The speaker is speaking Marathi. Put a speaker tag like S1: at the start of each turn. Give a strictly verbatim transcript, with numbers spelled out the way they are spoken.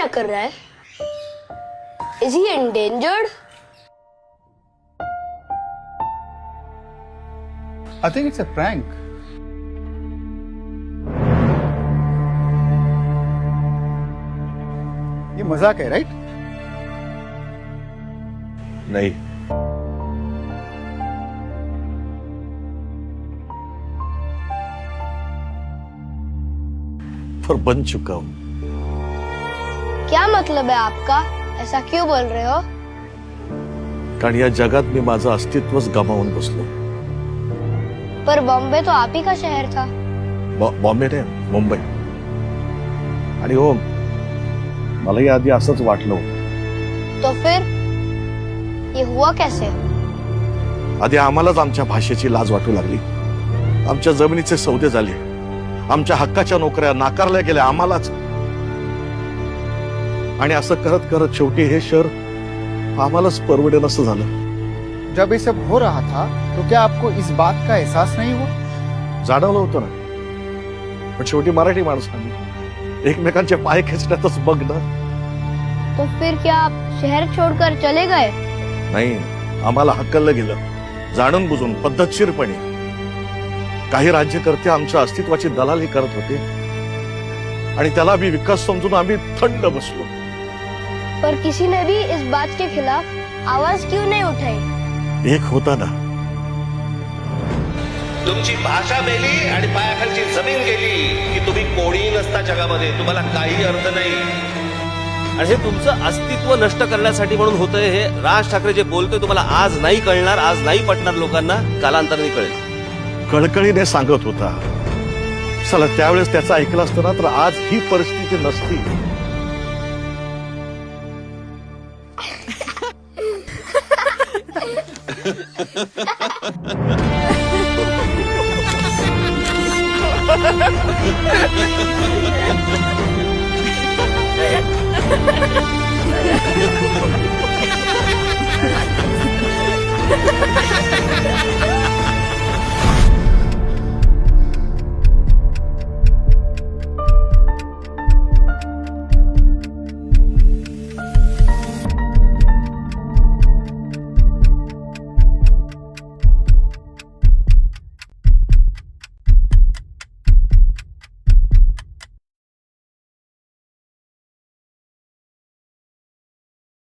S1: कर रहा है? Is he endangered?
S2: I think it's a prank. ये मजाक है, राइट?
S3: नहीं, पर बन चुका हूं।
S1: क्या मतलब है आपका? ऐसा क्यों बोल रहे हो?
S3: कारण या जगात मी माझं अस्तित्वच गमावून बसलो।
S1: पर बॉम्बे तो आप ही का शहर था।
S3: बॉ- बॉम्बे ने मुंबई। आणि हो, मलाही आधी असंच वाटलं होतं।
S1: तो फिर ये हुआ कैसे?
S3: आधी आम्हालाच आमच्या भाषेची लाज वाटू लागली, आमच्या जमिनीचे सौदे झाले, आमच्या हक्काच्या नोकऱ्या नाकारल्या गेल्या आम्हालाच। आणि असं करत करत शेवटी हे शहर आम्हालाच परवडेन असं झालं।
S2: जब ये सब हो रहा था तो क्या आपको इस बात का एहसास नहीं हुआ?
S3: जाणवलं होतं ना, पण शेवटी मराठी माणसांनी एकमेकांचे पाय खेचण्यातच बघ ना।
S1: तो फिर क्या आप शहर छोड़कर चले गए?
S3: नाही, आम्हाला हक्कलं गेलं, जाणून बुजून पद्धतशीरपणे। काही राज्यकर्ते आमच्या अस्तित्वाची दलाली करत होते आणि त्याला भी विकास समजून आम्ही थंड बसलो।
S1: पर किसी ने भी इस बात के खिलाफ आवाज क्यों नहीं उठाई?
S3: एक होता ना,
S4: तुमची भाषा मेली आणि पायाखालची जमीन गेली की तुम्ही कोणी नसता जगामध्ये, तुम्हाला काही अर्थ नाही।
S5: आणि हे तुमचं अस्तित्व नष्ट करण्यासाठी म्हणून होतंय। हे राज ठाकरे जे बोलतोय तुम्हाला आज नाही कळणार, आज नाही पटणार लोकांना, कालांतराने कळेल।
S3: कळकळीने सांगत होता, चला त्यावेळेस त्याचं ऐकलं असतं ना तर आज ही परिस्थिती नसती।
S1: Ha ha ha!